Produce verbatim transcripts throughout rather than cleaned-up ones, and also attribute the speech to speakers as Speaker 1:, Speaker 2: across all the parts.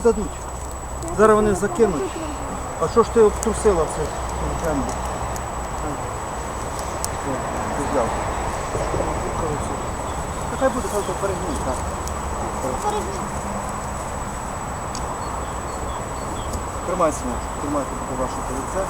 Speaker 1: Дадуть. Зараз вони закинуть. А що ж ти обтрусила все? Землю. Ти взяв. Хай буде, хай то перегній, так. Тримайся, тримайте буде ваше лице.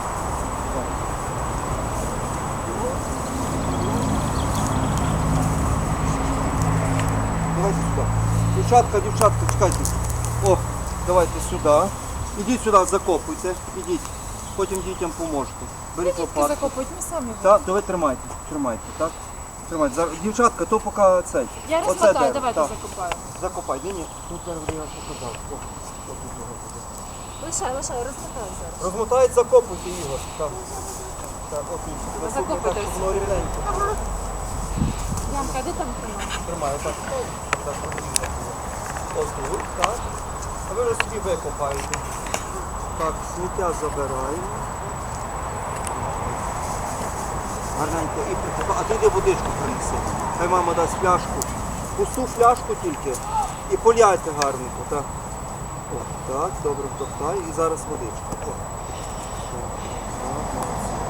Speaker 1: Давайте сюди. Дівчатка, дівчатка, чекайте. О, давайте сюди. Ідіть сюди, закопуйте. Ідіть. Потім дітям поможете. Беріть лопатку.
Speaker 2: Закопують, ми самі.
Speaker 1: Так, давай тримайте, тримайте, так? Тримайте. Зараз- Дівчатка, то поки цей.
Speaker 2: Я
Speaker 1: Оце
Speaker 2: розмотаю,
Speaker 1: дерево,
Speaker 2: давайте
Speaker 1: так.
Speaker 2: закопаю.
Speaker 1: Закопай. Ні, ні. Тут зараз я показав. О, о, тут його буде.
Speaker 2: Лишай, лишай, розмотаю зараз.
Speaker 1: Розмотають, закопуйте, Ігор. Так. Так, от тут. Наступний,
Speaker 2: закопуйте
Speaker 1: так, щоб
Speaker 2: всі.
Speaker 1: воно рівненько.
Speaker 2: Ямка, де там тримає?
Speaker 1: Тримаю, так. Так, ось тут, так. А ви вже собі викопаєте. Так, сміття забираємо. Гарненько і прикопаємо. А ти йди водичку принеси. Хай мама дасть пляшку. Пусту фляжку тільки. І поляйте гарненько, так. О, так, добре втоптай. І зараз водичка. О. Так, так,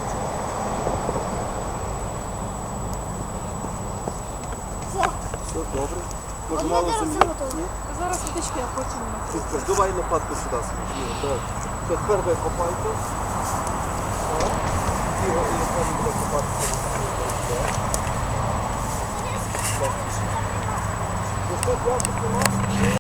Speaker 1: все добре. Може мало землі? Ні?
Speaker 2: Зараз водичку я потім.
Speaker 1: Супер. Давай лопатку сюди сміємо. Давай. Все, тепер ви копайте. Так. Ігор, і яка буде копати. Так. Так. Ну що, пляшку нема?